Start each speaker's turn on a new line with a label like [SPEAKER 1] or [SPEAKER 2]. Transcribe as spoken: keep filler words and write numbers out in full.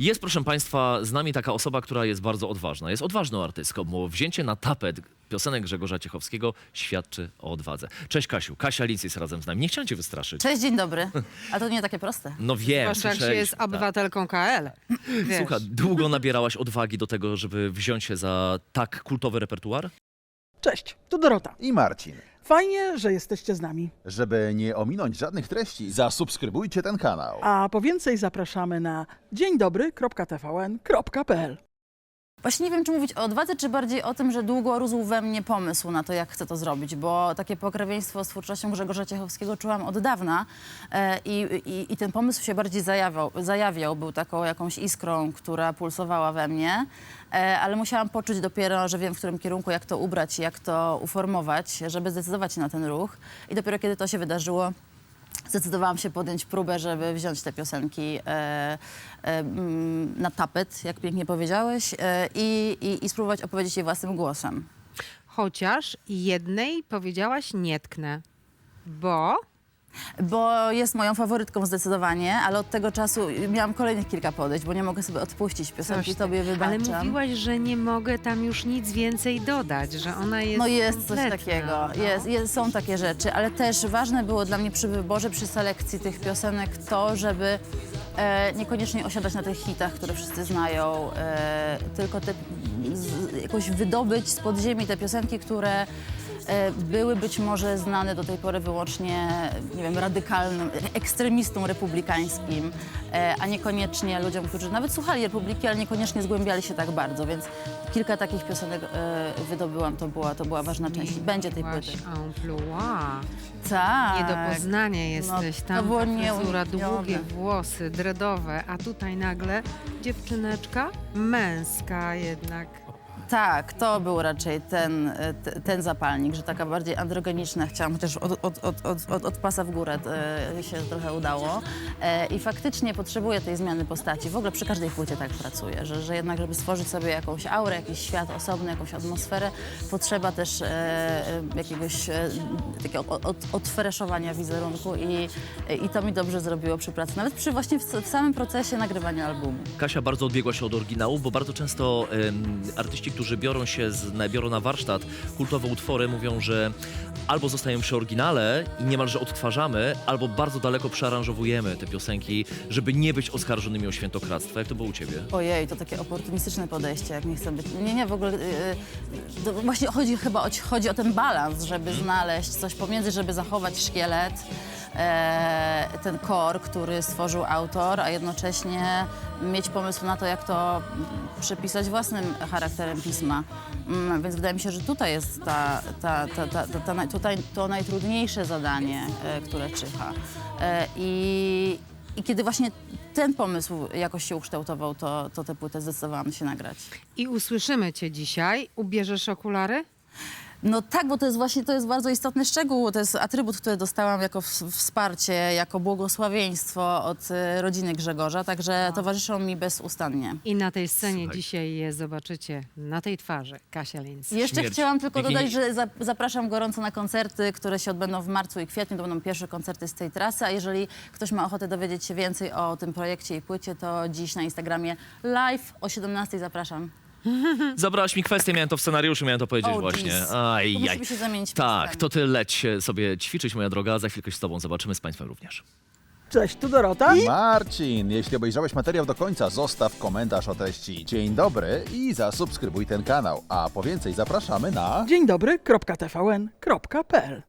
[SPEAKER 1] Jest, proszę Państwa, z nami taka osoba, która jest bardzo odważna. Jest odważną artystką, bo wzięcie na tapet piosenek Grzegorza Ciechowskiego świadczy o odwadze. Cześć Kasiu, Kasia Linc jest razem z nami. Nie chciałem cię wystraszyć.
[SPEAKER 2] Cześć, dzień dobry. A to nie takie proste.
[SPEAKER 1] No wiem,
[SPEAKER 3] Zwłaszcza jak się
[SPEAKER 1] słyszeliśmy,
[SPEAKER 3] jest
[SPEAKER 1] tak.
[SPEAKER 3] obywatelką K L. Wiesz.
[SPEAKER 1] Słuchaj, długo nabierałaś odwagi do tego, żeby wziąć się za tak kultowy repertuar?
[SPEAKER 4] Cześć, tu Dorota.
[SPEAKER 5] I Marcin.
[SPEAKER 4] Fajnie, że jesteście z nami.
[SPEAKER 5] Żeby nie ominąć żadnych treści, zasubskrybujcie ten kanał.
[SPEAKER 4] A po więcej zapraszamy na dzień dobry kropka t v n kropka p l.
[SPEAKER 2] Właśnie nie wiem, czy mówić o odwadze, czy bardziej o tym, że długo rósł we mnie pomysł na to, jak chcę to zrobić, bo takie pokrewieństwo z twórczością Grzegorza Ciechowskiego czułam od dawna e, i, i, i ten pomysł się bardziej zajawiał, zajawiał, był taką jakąś iskrą, która pulsowała we mnie, e, ale musiałam poczuć dopiero, że wiem, w którym kierunku, jak to ubrać, jak to uformować, żeby zdecydować się na ten ruch i dopiero kiedy to się wydarzyło, zdecydowałam się podjąć próbę, żeby wziąć te piosenki e, e, mm, na tapet, jak pięknie powiedziałeś, e, i, i, i spróbować opowiedzieć je własnym głosem.
[SPEAKER 3] Chociaż jednej powiedziałaś nie tknę, bo
[SPEAKER 2] Bo jest moją faworytką zdecydowanie, ale od tego czasu miałam kolejnych kilka podejść, bo nie mogę sobie odpuścić piosenki,
[SPEAKER 3] coś
[SPEAKER 2] tobie
[SPEAKER 3] tak.
[SPEAKER 2] wybaczam.
[SPEAKER 3] Ale mówiłaś, że nie mogę tam już nic więcej dodać, że ona jest
[SPEAKER 2] No jest coś
[SPEAKER 3] kompletna,
[SPEAKER 2] takiego,
[SPEAKER 3] no.
[SPEAKER 2] jest, jest, są takie rzeczy, ale też ważne było dla mnie przy wyborze, przy selekcji tych piosenek to, żeby e, niekoniecznie osiadać na tych hitach, które wszyscy znają, e, tylko te, z, jakoś wydobyć z podziemi te piosenki, które e, były być może znane do tej pory wyłącznie, nie wiem, radykalnym, ekstremistom republikańskim, e, a niekoniecznie ludziom, którzy nawet słuchali Republiki, ale niekoniecznie zgłębiali się tak bardzo, więc kilka takich piosenek e, wydobyłam, to była, to była ważna część. Będzie tej
[SPEAKER 3] Byłaś
[SPEAKER 2] płyty.
[SPEAKER 3] amplua.
[SPEAKER 2] Tak.
[SPEAKER 3] Nie do poznania jesteś.
[SPEAKER 2] to
[SPEAKER 3] Tam
[SPEAKER 2] było
[SPEAKER 3] ta fryzura,
[SPEAKER 2] nieuniknione.
[SPEAKER 3] długie włosy, dreadowe, a tutaj nagle dziewczyneczka męska jednak.
[SPEAKER 2] Tak, to był raczej ten, e, t- ten zapalnik, że taka bardziej androgeniczna chciałam, chociaż od, od, od, od, od, od pasa w górę e, się trochę udało. E, I faktycznie potrzebuję tej zmiany postaci. W ogóle przy każdej płycie tak pracuję, że, że jednak, żeby stworzyć sobie jakąś aurę, jakiś świat osobny, jakąś atmosferę, potrzeba też e, e, jakiegoś e, takiego od, od, odfreszowania wizerunku i, i to mi dobrze zrobiło przy pracy, nawet przy właśnie w, w samym procesie nagrywania albumu.
[SPEAKER 1] Kasia bardzo odbiegła się od oryginału, bo bardzo często em, artyści, którzy biorą się z, biorą na warsztat kultowe utwory, mówią, że albo zostają przy oryginale i niemalże odtwarzamy, albo bardzo daleko przearanżowujemy te piosenki, żeby nie być oskarżonymi o świętokradztwo. Jak to było u ciebie?
[SPEAKER 2] Ojej, to takie oportunistyczne podejście, jak nie chcę być. Nie, nie, w ogóle. Yy, to właśnie chodzi chyba o, chodzi o ten balans, żeby znaleźć coś pomiędzy, żeby zachować szkielet, e, ten core, który stworzył autor, a jednocześnie mieć pomysł na to, jak to przepisać własnym charakterem pisma. Mm, więc wydaje mi się, że tutaj jest ta, ta, ta, ta, ta, ta, naj- tutaj to najtrudniejsze zadanie, e, które czyha. E, i, I kiedy właśnie ten pomysł jakoś się ukształtował, to, to tę płytę zdecydowałam się nagrać.
[SPEAKER 3] I usłyszymy cię dzisiaj. Ubierzesz okulary?
[SPEAKER 2] No tak, bo to jest właśnie, to jest bardzo istotny szczegół, to jest atrybut, który dostałam jako w- wsparcie, jako błogosławieństwo od y, rodziny Grzegorza, także towarzyszą mi bezustannie.
[SPEAKER 3] I na tej scenie
[SPEAKER 1] Słuchaj.
[SPEAKER 3] dzisiaj je zobaczycie na tej twarzy. Kasia Linc.
[SPEAKER 2] Jeszcze
[SPEAKER 1] Śmierć.
[SPEAKER 2] chciałam tylko
[SPEAKER 1] Bikini-
[SPEAKER 2] dodać, że za, zapraszam gorąco na koncerty, które się odbędą w marcu i kwietniu. To będą pierwsze koncerty z tej trasy, a jeżeli ktoś ma ochotę dowiedzieć się więcej o tym projekcie i płycie, to dziś na Instagramie live o siedemnastej zapraszam.
[SPEAKER 1] Zabrałaś mi kwestię, miałem to w scenariuszu, miałem to powiedzieć
[SPEAKER 2] Oh,
[SPEAKER 1] właśnie.
[SPEAKER 2] jeez. To
[SPEAKER 1] Ajaj.
[SPEAKER 2] musimy się zamienić
[SPEAKER 1] Tak,
[SPEAKER 2] miejscami.
[SPEAKER 1] to ty leć się sobie ćwiczyć, moja droga, a za chwilkę się z tobą zobaczymy, z państwem również.
[SPEAKER 4] Cześć, tu Dorota.
[SPEAKER 5] Marcin, jeśli obejrzałeś materiał do końca, zostaw komentarz o treści dzień dobry i zasubskrybuj ten kanał. A po więcej zapraszamy na...
[SPEAKER 4] dzień dobry kropka t v n kropka p l.